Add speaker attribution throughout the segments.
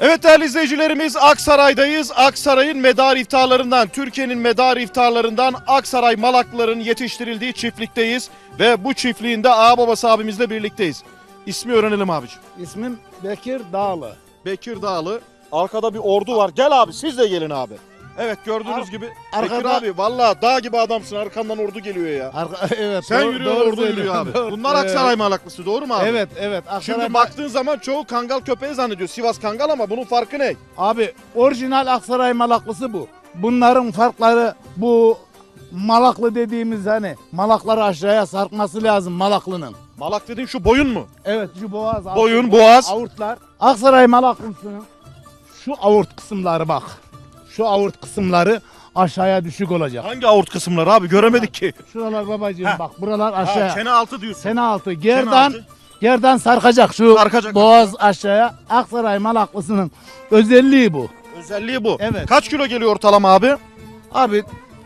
Speaker 1: Evet değerli izleyicilerimiz, Aksaray'dayız. Aksaray'ın medar iftarlarından, Türkiye'nin medar iftarlarından Aksaray Malaklıların yetiştirildiği çiftlikteyiz. Ve bu çiftliğinde ağababası abimizle birlikteyiz. İsmi öğrenelim abiciğim.
Speaker 2: İsmim Bekir Dağlı.
Speaker 1: Bekir Dağlı. Arkada bir ordu var. Gel abi, siz de gelin abi. Evet, gördüğünüz gibi. Bekir
Speaker 2: arkada-
Speaker 1: abi vallahi dağ gibi adamsın. Arkandan ordu geliyor ya.
Speaker 2: Evet.
Speaker 1: Sen
Speaker 2: doğru-
Speaker 1: yürüyorsun,
Speaker 2: doğru
Speaker 1: ordu yürüyor
Speaker 2: söylüyorsun.
Speaker 1: abi.
Speaker 2: Doğru.
Speaker 1: Bunlar Aksaray Malaklısı, doğru mu abi?
Speaker 2: Evet, evet.
Speaker 1: Şimdi
Speaker 2: Aksaray
Speaker 1: baktığın zaman çoğu Kangal köpeği zannediyor. Sivas Kangal, ama bunun farkı ne?
Speaker 2: Abi orijinal Aksaray Malaklısı bu. Bunların farkları bu Malaklı dediğimiz hani Malakları aşağıya sarkması lazım Malaklı'nın.
Speaker 1: Malak dediğin şu boyun mu?
Speaker 2: Evet şu boğaz.
Speaker 1: Boyun, boğaz.
Speaker 2: Avurtlar. Aksaray Malaklısı'nın şu avurt kısımları bak. Şu avurt kısımları aşağıya düşük olacak.
Speaker 1: Hangi avurt kısımları abi? Göremedik ki.
Speaker 2: Şuralar babacığım
Speaker 1: Heh.
Speaker 2: bak buralar
Speaker 1: Ha,
Speaker 2: aşağıya.
Speaker 1: çene altı diyorsun.
Speaker 2: Sene altı.
Speaker 1: Çene
Speaker 2: Gerdan
Speaker 1: altı.
Speaker 2: Gerdan sarkacak şu
Speaker 1: Sarkacak.
Speaker 2: boğaz aşağıya. Aksaray Malaklısı'nın özelliği bu.
Speaker 1: Özelliği bu.
Speaker 2: Evet.
Speaker 1: Kaç kilo geliyor ortalama abi?
Speaker 2: Abi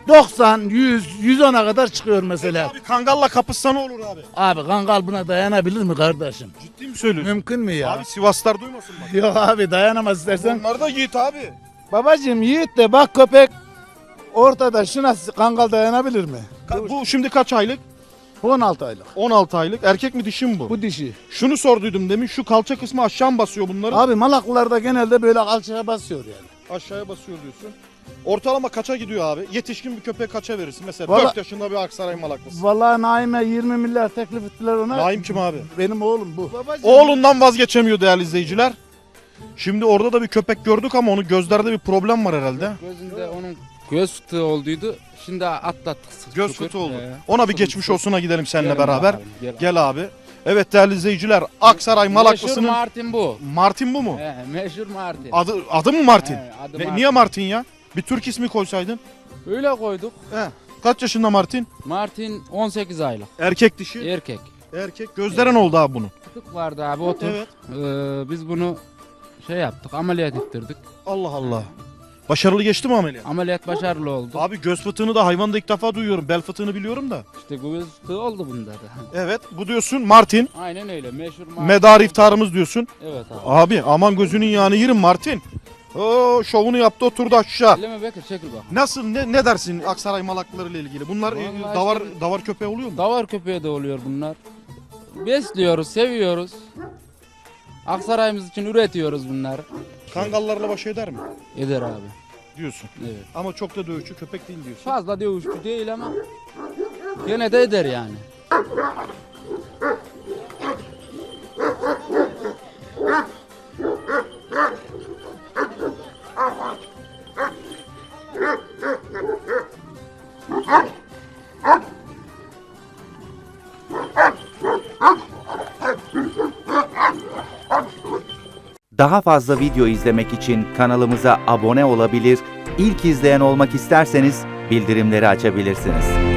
Speaker 2: 90, 100, 110'a kadar çıkıyor mesela.
Speaker 1: Abi Kangal'la kapışsa ne olur abi?
Speaker 2: Abi Kangal buna dayanabilir mi kardeşim?
Speaker 1: Ciddi mi söylüyorsun?
Speaker 2: Mümkün mü ya?
Speaker 1: Abi Sivaslar duymasın bak.
Speaker 2: Yok abi dayanamaz istersen.
Speaker 1: Onlar da yiğit abi.
Speaker 2: Babacığım yiğit de bak köpek ortada şuna Kangal dayanabilir mi?
Speaker 1: Bu şimdi kaç aylık?
Speaker 2: 16 aylık.
Speaker 1: 16 aylık. Erkek mi dişi mi bu?
Speaker 2: Bu dişi.
Speaker 1: Şunu sorduydum demin. Şu kalça kısmı aşağı mı basıyor bunların?
Speaker 2: Abi Malaklılarda genelde böyle alçıya basıyor yani.
Speaker 1: Aşağıya basıyor diyorsun. Ortalama kaça gidiyor abi? Yetişkin bir köpeğe kaça verirsin? Mesela
Speaker 2: Vallahi-
Speaker 1: 4 yaşında bir Aksaray Malaklısı.
Speaker 2: Vallahi Naim'e 20 milyar teklif ettiler ona.
Speaker 1: Naim kim abi?
Speaker 2: Benim oğlum bu.
Speaker 1: Oğlundan vazgeçemiyor değerli izleyiciler. Şimdi orada da bir köpek gördük ama onun gözlerde bir problem var herhalde.
Speaker 3: Gözünde onun göz fıtığı olduydu. Şimdi atlattık.
Speaker 1: Göz
Speaker 3: şükür.
Speaker 1: fıtığı oldu.
Speaker 3: Ee,
Speaker 1: Ona bir geçmiş olsuna gidelim seninle
Speaker 3: Gelin
Speaker 1: beraber.
Speaker 3: bakalım, gel.
Speaker 1: Gel abi. Evet değerli izleyiciler, Aksaray
Speaker 3: Meşhur
Speaker 1: Malaklısı'nın
Speaker 3: Martin bu.
Speaker 1: Martin bu mu?
Speaker 3: Meşhur Martin.
Speaker 1: Adı mı Martin?
Speaker 3: Adı
Speaker 1: Ne-
Speaker 3: Martin.
Speaker 1: Niye Martin ya? Bir Türk ismi koysaydın.
Speaker 3: Öyle koyduk.
Speaker 1: Kaç yaşında Martin?
Speaker 3: Martin 18 aylık.
Speaker 1: Erkek dişi.
Speaker 3: Erkek.
Speaker 1: Erkek. Gözlere ne oldu abi bunun?
Speaker 3: Fıtık vardı abi otur.
Speaker 1: Evet.
Speaker 3: Biz bunu şey yaptık, ameliyat ettirdik.
Speaker 1: Allah Allah. Başarılı geçti mi ameliyat?
Speaker 3: Ameliyat başarılı oldu.
Speaker 1: Abi göz fıtığını da hayvanda ilk defa duyuyorum. Bel fıtığını biliyorum da.
Speaker 3: İşte göz fıtığı oldu bunda da.
Speaker 1: Evet. Bu diyorsun Martin.
Speaker 3: Aynen öyle. Meşhur Martin.
Speaker 1: Medar iftarımız diyorsun.
Speaker 3: Evet abi.
Speaker 1: Abi aman gözünün yağını yerim Martin. Oo, şovunu yaptı oturdu aşağı.
Speaker 3: Eleme Bekir çekil bak.
Speaker 1: Nasıl ne dersin Aksaray Malaklıları ile ilgili? Bunlar
Speaker 3: Vallahi
Speaker 1: davar
Speaker 3: işte-
Speaker 1: davar köpeği oluyor mu?
Speaker 3: Davar köpeği de oluyor bunlar. Besliyoruz, seviyoruz. Aksaray'ımız için üretiyoruz bunları.
Speaker 1: Kangallarla baş eder mi?
Speaker 3: Eder abi.
Speaker 1: Diyorsun.
Speaker 3: Evet.
Speaker 1: Ama çok da dövüşçü köpek değil diyorsun.
Speaker 3: Fazla dövüşçü değil ama gene de eder yani.
Speaker 4: Daha fazla video izlemek için kanalımıza abone olabilir, ilk izleyen olmak isterseniz bildirimleri açabilirsiniz.